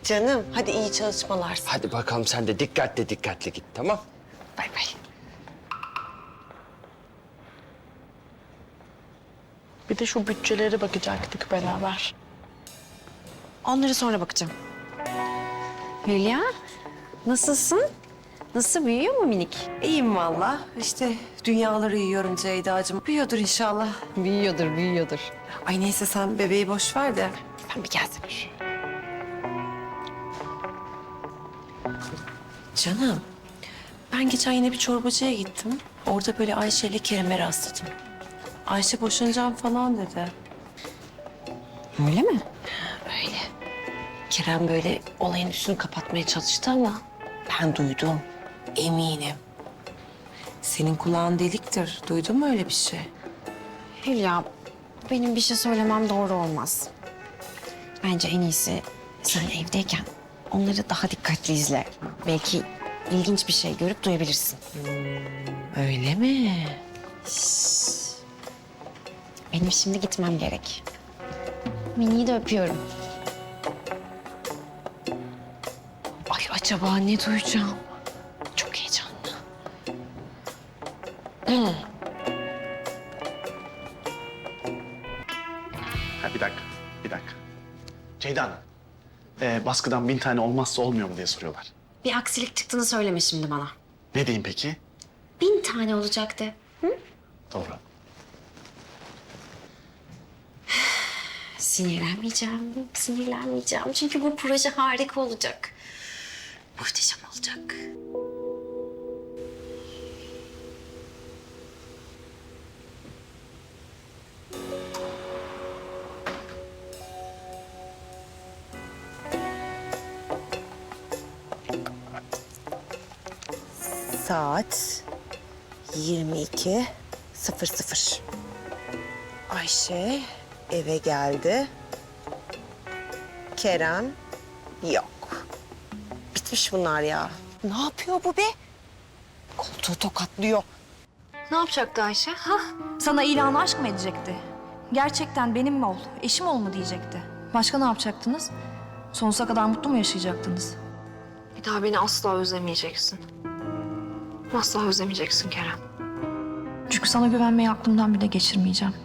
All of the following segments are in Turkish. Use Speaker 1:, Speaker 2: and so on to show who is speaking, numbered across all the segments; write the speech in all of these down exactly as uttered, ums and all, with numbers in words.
Speaker 1: Canım hadi iyi çalışmalar.
Speaker 2: Hadi bakalım sen de dikkatli dikkatli git, tamam?
Speaker 1: Bay bay.
Speaker 3: Bir de şu bütçelere bakacaktık beraber.
Speaker 4: Onları sonra bakacağım. Hülya, nasılsın? Nasıl, büyüyor mu minik?
Speaker 1: İyiyim valla. İşte dünyaları yiyorum Ceyda'cığım. Büyüyordur inşallah.
Speaker 4: Büyüyordur, büyüyordur.
Speaker 1: Ay neyse sen bebeği boş ver de.
Speaker 4: Ben bir gelsene şu.
Speaker 1: Canım ben geçen yine bir çorbacıya gittim. Orada böyle Ayşe ile Kerem'e rastladım. Ayşe boşanacağım falan dedi.
Speaker 4: Öyle mi?
Speaker 1: Öyle. Kerem böyle olayın üstünü kapatmaya çalıştı ama ben duydum. Eminim. Senin kulağın deliktir. Duydun mu öyle bir şey?
Speaker 4: Hülya, benim bir şey söylemem doğru olmaz. Bence en iyisi sen evdeyken onları daha dikkatli izle. Belki ilginç bir şey görüp duyabilirsin.
Speaker 1: Öyle mi?
Speaker 4: Benim şimdi gitmem gerek. Mini'yi de öpüyorum.
Speaker 1: Ay acaba ne duyacağım? Çok heyecanlı.
Speaker 5: Ha, bir dakika, bir dakika. Ceyda Hanım, ee, baskıdan bin tane olmazsa olmuyor mu diye soruyorlar.
Speaker 4: Bir aksilik çıktığını söyleme şimdi bana.
Speaker 5: Ne diyeyim peki?
Speaker 4: Bin tane olacaktı.
Speaker 5: Doğru.
Speaker 4: Sinirlenmeyeceğim, sinirlenmeyeceğim. Çünkü bu proje harika olacak. Muhteşem olacak.
Speaker 1: Saat yirmi iki sıfır sıfır. Ayşe eve geldi. Kerem yok. Bitmiş bunlar ya. Ne yapıyor bu be? Koltuğu tokatlıyor.
Speaker 6: Ne yapacaktı Ayşe? Ha? Sana ilanı aşk mı edecekti? Gerçekten benim mi ol, eşim ol mu diyecekti? Başka ne yapacaktınız? Sonsuza kadar mutlu mu yaşayacaktınız? Bir daha beni asla özlemeyeceksin. Asla özlemeyeceksin Kerem. Çünkü sana güvenmeyi aklımdan bile geçirmeyeceğim.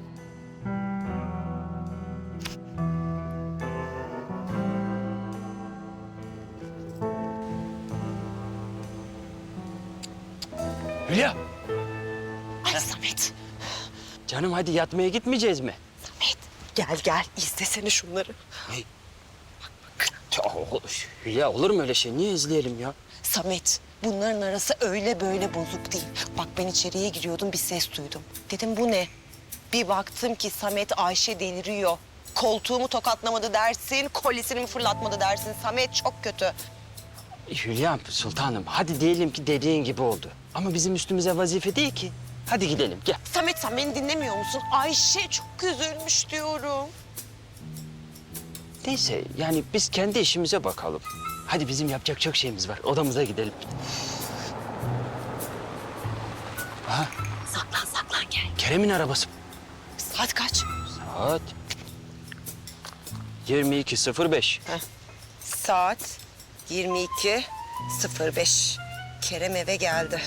Speaker 2: Hülya!
Speaker 1: Ay Samet,
Speaker 2: Canım hadi yatmaya gitmeyeceğiz mi?
Speaker 1: Samet. Gel gel izlesene şunları.
Speaker 2: Ya, Hülya olur mu öyle şey? Niye izleyelim ya?
Speaker 1: Samet, bunların arası öyle böyle bozuk değil. Bak ben içeriye giriyordum bir ses duydum. Dedim bu ne? Bir baktım ki Samet Ayşe deliriyor. Koltuğumu tokatlamadı dersin, kolyesini mi fırlatmadı dersin. Samet çok kötü.
Speaker 2: Hülya sultanım hadi diyelim ki dediğin gibi oldu. Ama bizim üstümüze vazife değil ki. Hadi gidelim gel.
Speaker 1: Samet sen beni dinlemiyor musun? Ayşe çok üzülmüş diyorum.
Speaker 2: Neyse yani biz kendi işimize bakalım. Hadi bizim yapacak çok şeyimiz var. Odamıza gidelim. Aha
Speaker 1: Saklan saklan gel.
Speaker 2: Kerem'in arabası.
Speaker 1: Saat kaç?
Speaker 2: Saat yirmi iki sıfır beş.
Speaker 1: Saat yirmi iki sıfır beş. Kerem eve geldi.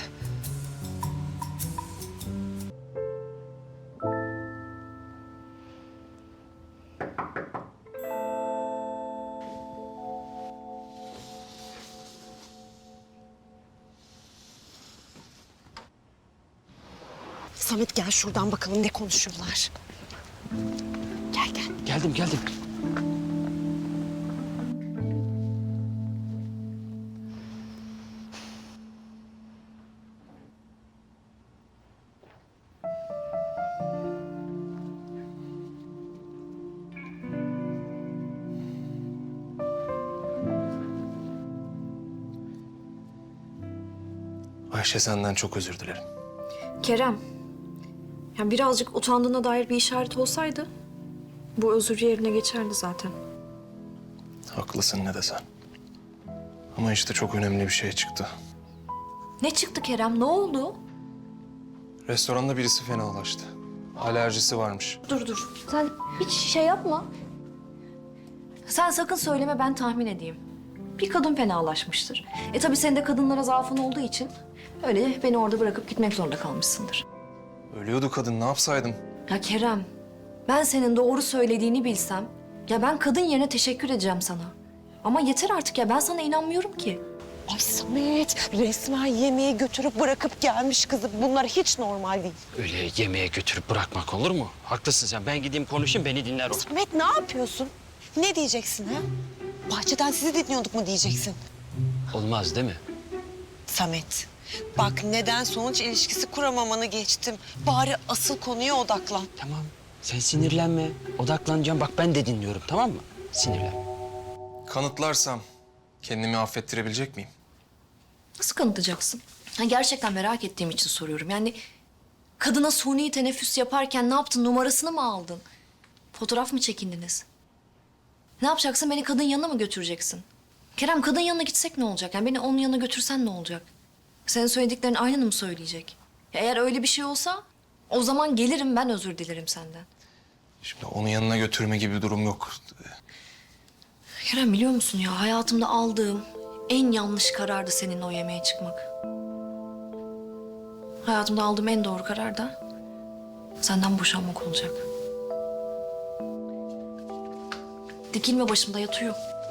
Speaker 1: Samet gel şuradan bakalım ne konuşuyorlar. Gel gel.
Speaker 2: Geldim geldim.
Speaker 7: Ayşe senden çok özür dilerim.
Speaker 6: Kerem, ya birazcık utandığına dair bir işaret olsaydı bu özür yerine geçerdi zaten.
Speaker 7: Haklısın ne desen. Ama işte çok önemli bir şey çıktı.
Speaker 6: Ne çıktı Kerem? Ne oldu?
Speaker 7: Restoranda birisi fenalaştı. Alerjisi varmış.
Speaker 6: Dur dur. Sen hiç şey yapma. Sen sakın söyleme, ben tahmin edeyim. Bir kadın fenalaşmıştır. E tabii senin de kadınlara zaafın olduğu için öyle beni orada bırakıp gitmek zorunda kalmışsındır.
Speaker 7: Ölüyordu kadın, ne yapsaydım?
Speaker 6: Ya Kerem, ben senin doğru söylediğini bilsem, ya ben kadın yerine teşekkür edeceğim sana. Ama yeter artık ya, ben sana inanmıyorum ki.
Speaker 1: Ay Samet, resmen yemeğe götürüp bırakıp gelmiş kızı. Bunlar hiç normal değil.
Speaker 2: Öyle yemeğe götürüp bırakmak olur mu? Haklısın sen. Ben gideyim konuşayım, beni dinler o.
Speaker 1: Samet ne yapıyorsun? Ne diyeceksin ha? Bahçeden sizi dinliyorduk mu diyeceksin?
Speaker 2: Olmaz değil mi?
Speaker 1: Samet, bak neden sonuç ilişkisi kuramamanı geçtim. Bari asıl konuya odaklan.
Speaker 2: Tamam. Sen sinirlenme. Odaklanacağım. Bak ben de dinliyorum, tamam mı? Sinirlenme.
Speaker 7: Kanıtlarsam kendimi affettirebilecek miyim?
Speaker 6: Nasıl kanıtlayacaksın? Ha, gerçekten merak ettiğim için soruyorum. Yani kadına suni teneffüs yaparken ne yaptın? Numarasını mı aldın? Fotoğraf mı çekindiniz? Ne yapacaksın? Beni kadın yanına mı götüreceksin? Kerem, kadın yanına gitsek ne olacak? Yani beni onun yanına götürsen ne olacak? Senin söylediklerin aynını mı söyleyecek? Ya eğer öyle bir şey olsa o zaman gelirim, ben özür dilerim senden.
Speaker 7: Şimdi onun yanına götürme gibi bir durum yok.
Speaker 6: Kerem, biliyor musun ya, hayatımda aldığım en yanlış karardı seninle o yemeğe çıkmak. Hayatımda aldığım en doğru karar da senden boşanmak olacak. Dikilme başımda, yatıyor.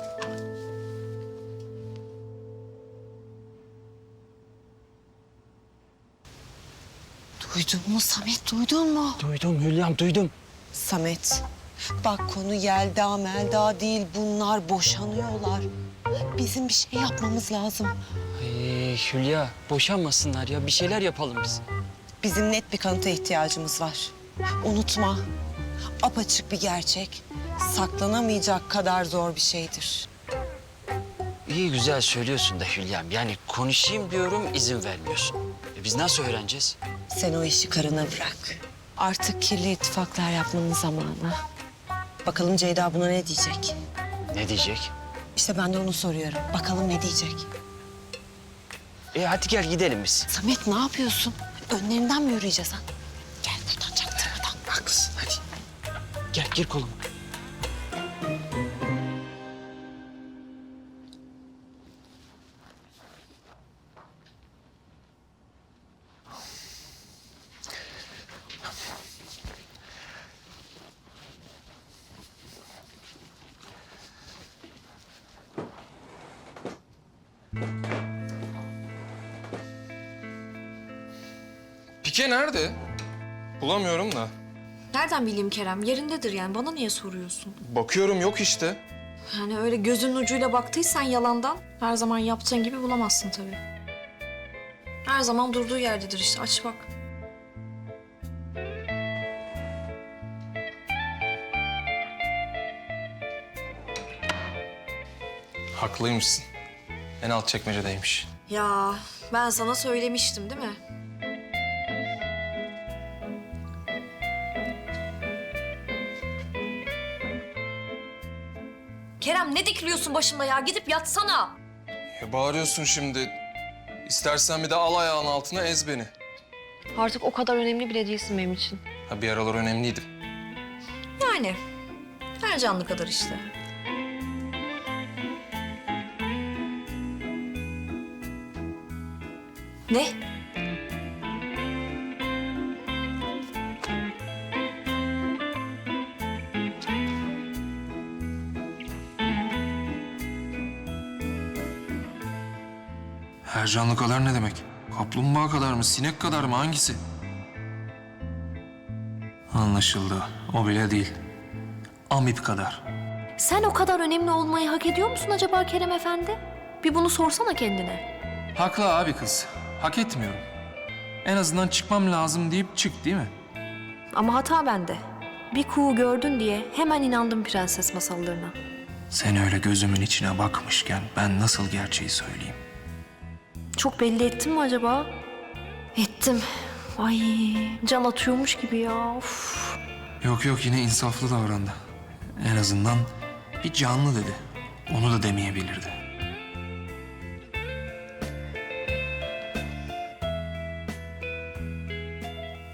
Speaker 1: Duydun mu Samet, duydun mu?
Speaker 2: Duydum Hülya'm, duydum.
Speaker 1: Samet, bak konu Yelda Melda değil. Bunlar boşanıyorlar. Bizim bir şey yapmamız lazım.
Speaker 2: Ay Hülya, boşanmasınlar ya. Bir şeyler yapalım biz.
Speaker 1: Bizim net bir kanıta ihtiyacımız var. Unutma, apaçık bir gerçek. Saklanamayacak kadar zor bir şeydir.
Speaker 2: İyi güzel söylüyorsun da Hülya'm. Yani konuşayım diyorum, izin vermiyorsun. E biz nasıl öğreneceğiz?
Speaker 1: Sen o işi karına bırak. Artık kirli ittifaklar yapmanın zamanı. Bakalım Ceyda buna ne diyecek?
Speaker 2: Ne diyecek?
Speaker 1: İşte ben de onu soruyorum. Bakalım ne diyecek?
Speaker 2: E hadi gel gidelim biz.
Speaker 1: Samet ne yapıyorsun? Önlerinden mi yürüyeceğiz ha? Gel buradan çaktırmadan.
Speaker 2: Haklısın, hadi. Gel, gir koluma.
Speaker 7: Pike nerede? Bulamıyorum da.
Speaker 6: Nereden bileyim Kerem? Yerindedir yani. Bana niye soruyorsun?
Speaker 7: Bakıyorum yok işte.
Speaker 6: Yani öyle gözünün ucuyla baktıysan yalandan her zaman yaptığın gibi bulamazsın tabii. Her zaman durduğu yerdedir işte. Aç bak.
Speaker 7: Haklıymışsın. En alt çekmecedeymiş.
Speaker 6: Ya ben sana söylemiştim değil mi? Kerem, ne dikiliyorsun başımda ya? Gidip yatsana.
Speaker 7: Ya bağırıyorsun şimdi. İstersen bir de al ayağın altına ez beni.
Speaker 6: Artık o kadar önemli bile değilsin benim için.
Speaker 7: Ha bir aralar önemliydim.
Speaker 6: Yani her canlı kadar işte. Ne?
Speaker 7: Her canlı kadar ne demek? Kaplumbağa kadar mı, sinek kadar mı, hangisi? Anlaşıldı. O bile değil. Amip kadar.
Speaker 6: Sen o kadar önemli olmayı hak ediyor musun acaba Kerem Efendi? Bir bunu sorsana kendine.
Speaker 7: Haklı abi kız. Hak etmiyorum. En azından çıkmam lazım deyip çık değil mi?
Speaker 6: Ama hata bende. Bir kuğu gördün diye hemen inandım prenses masallarına.
Speaker 7: Sen öyle gözümün içine bakmışken ben nasıl gerçeği söyleyeyim?
Speaker 6: Çok belli ettim mi acaba? Ettim. Ay can atıyormuş gibi ya. Of.
Speaker 7: Yok yok yine insaflı davrandı. En azından bir canlı dedi. Onu da demeyebilirdi.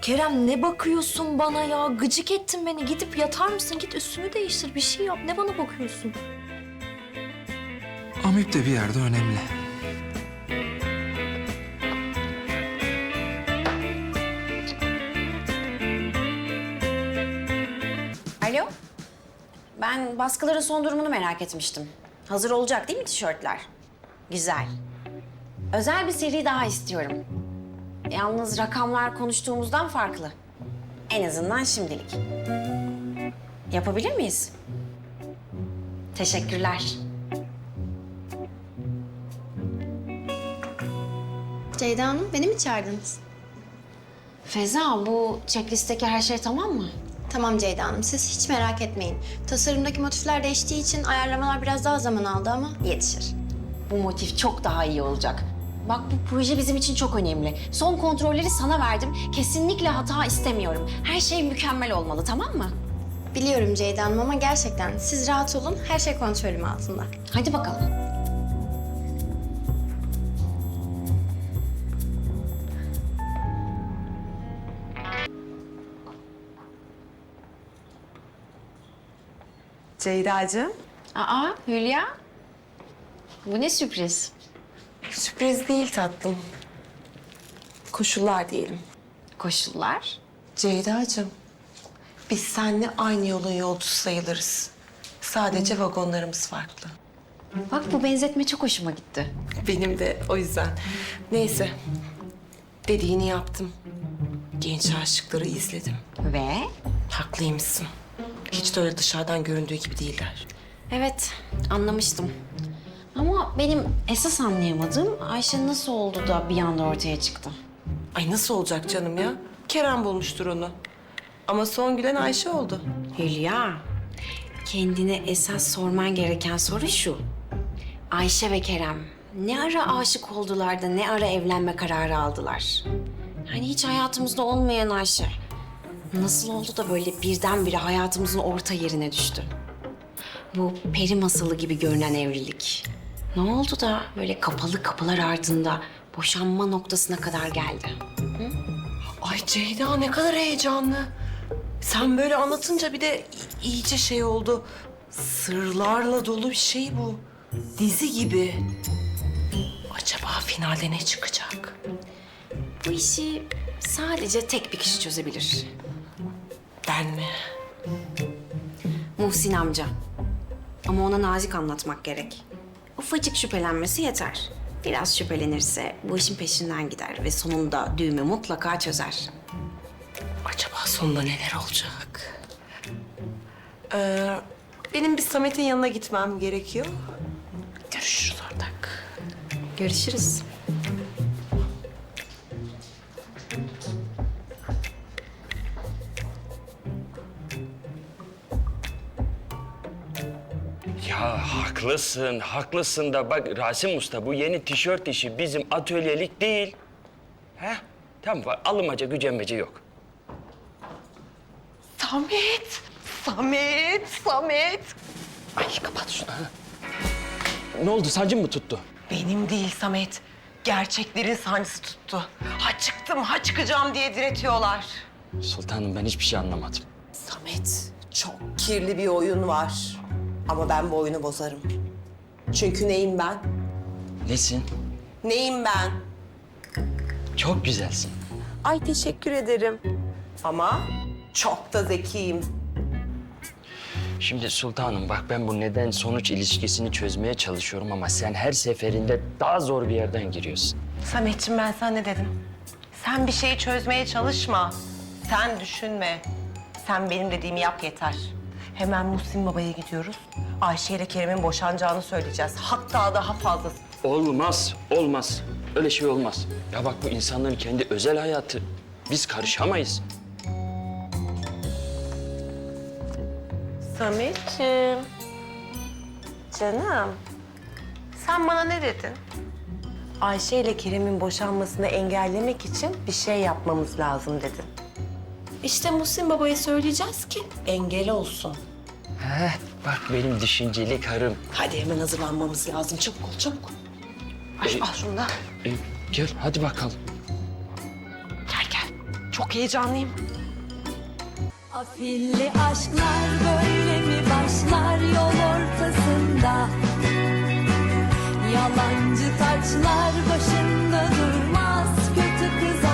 Speaker 6: Kerem ne bakıyorsun bana ya? Gıcık ettin beni. Gidip yatar mısın? Git üstünü değiştir. Bir şey yap. Ne bana bakıyorsun?
Speaker 7: Amip de bir yerde önemli.
Speaker 4: Alo. Ben baskıların son durumunu merak etmiştim. Hazır olacak değil mi tişörtler? Güzel. Özel bir seri daha istiyorum. Yalnız rakamlar konuştuğumuzdan farklı. En azından şimdilik. Yapabilir miyiz? Teşekkürler.
Speaker 8: Ceyda Hanım, beni mi çağırdınız?
Speaker 4: Feza, bu checklist'teki her şey tamam mı?
Speaker 8: Tamam Ceyda Hanım, siz hiç merak etmeyin. Tasarımdaki motifler değiştiği için ayarlamalar biraz daha zaman aldı ama yetişir.
Speaker 4: Bu motif çok daha iyi olacak. Bak bu proje bizim için çok önemli. Son kontrolleri sana verdim. Kesinlikle hata istemiyorum. Her şey mükemmel olmalı, tamam mı?
Speaker 8: Biliyorum Ceyda Hanım ama gerçekten siz rahat olun, her şey kontrolüm altında.
Speaker 4: Hadi bakalım.
Speaker 1: Ceyda'cığım.
Speaker 4: Aa Hülya. Bu ne sürpriz?
Speaker 1: Sürpriz değil tatlım. Koşullar diyelim.
Speaker 4: Koşullar.
Speaker 1: Ceyda'cığım, biz seninle aynı yolun yolcusu sayılırız. Sadece vagonlarımız farklı.
Speaker 4: Bak bu benzetme çok hoşuma gitti.
Speaker 1: Benim de o yüzden. Neyse, dediğini yaptım. Genç aşıkları izledim.
Speaker 4: Ve?
Speaker 1: Haklıymışsın. Hiç de öyle dışarıdan göründüğü gibi değiller.
Speaker 4: Evet, anlamıştım. Ama benim esas anlayamadığım Ayşe nasıl oldu da bir anda ortaya çıktı.
Speaker 1: Ay nasıl olacak canım ya? Kerem bulmuştur onu. Ama son gülen Ayşe oldu.
Speaker 4: Hülya, kendine esas sorman gereken soru şu. Ayşe ve Kerem ne ara aşık oldular da ne ara evlenme kararı aldılar? Hani hiç hayatımızda olmayan Ayşe. Nasıl oldu da böyle birdenbire hayatımızın orta yerine düştü? Bu peri masalı gibi görünen evlilik. Ne oldu da böyle kapalı kapılar ardında boşanma noktasına kadar geldi?
Speaker 1: Ay Ceyda ne kadar heyecanlı. Sen böyle anlatınca bir de i- iyice şey oldu. Sırlarla dolu bir şey bu. Dizi gibi. Acaba finalde ne çıkacak?
Speaker 4: Bu işi sadece tek bir kişi çözebilir.
Speaker 1: Ben mi?
Speaker 4: Muhsin amca. Ama ona nazik anlatmak gerek. Ufacık şüphelenmesi yeter. Biraz şüphelenirse bu işin peşinden gider ve sonunda düğümü mutlaka çözer.
Speaker 1: Acaba sonunda neler olacak? Ee, benim bir Samet'in yanına gitmem gerekiyor. Görüşürüz ortak.
Speaker 4: Görüşürüz.
Speaker 2: Ya haklısın, haklısın da bak Rasim Usta bu yeni tişört işi bizim atölyelik değil. He? Tamam bak alınmaca gücenmece yok.
Speaker 1: Samet! Samet! Samet!
Speaker 2: Ay kapat şunu. Ha. Ne oldu sancın mı tuttu?
Speaker 1: Benim değil Samet. Gerçeklerin sancısı tuttu. Ha çıktım, ha çıkacağım diye diretiyorlar.
Speaker 2: Sultanım ben hiçbir şey anlamadım.
Speaker 9: Samet, çok kirli bir oyun var. Ama ben bu oyunu bozarım. Çünkü neyim ben?
Speaker 2: Nesin?
Speaker 9: Neyim ben?
Speaker 2: Çok güzelsin.
Speaker 9: Ay teşekkür ederim. Ama çok da zekiyim.
Speaker 2: Şimdi sultanım bak ben bu neden sonuç ilişkisini çözmeye çalışıyorum ama sen her seferinde daha zor bir yerden giriyorsun.
Speaker 1: Sametciğim ben sana ne dedim? Sen bir şeyi çözmeye çalışma. Sen düşünme. Sen benim dediğimi yap yeter. Hemen Muhsin Baba'ya gidiyoruz. Ayşe ile Kerem'in boşanacağını söyleyeceğiz. Hatta daha fazlası.
Speaker 2: Olmaz, olmaz. Öyle şey olmaz. Ya bak bu insanların kendi özel hayatı. Biz karışamayız.
Speaker 1: Sametciğim. Canım. Sen bana ne dedin? Ayşe ile Kerem'in boşanmasını engellemek için bir şey yapmamız lazım dedin. İşte Muhsin Baba'ya söyleyeceğiz ki engel olsun.
Speaker 2: Heh, bak benim düşünceli karım.
Speaker 1: Hadi hemen hazırlanmamız lazım. Çabuk ol, çabuk. Ay,
Speaker 2: Ee,
Speaker 1: al şunu da.
Speaker 2: E, gel hadi bakalım.
Speaker 1: Gel gel. Çok heyecanlıyım.
Speaker 10: Afilli aşklar böyle mi başlar yol ortasında? Yalancı taçlar başında durmaz, kötü kız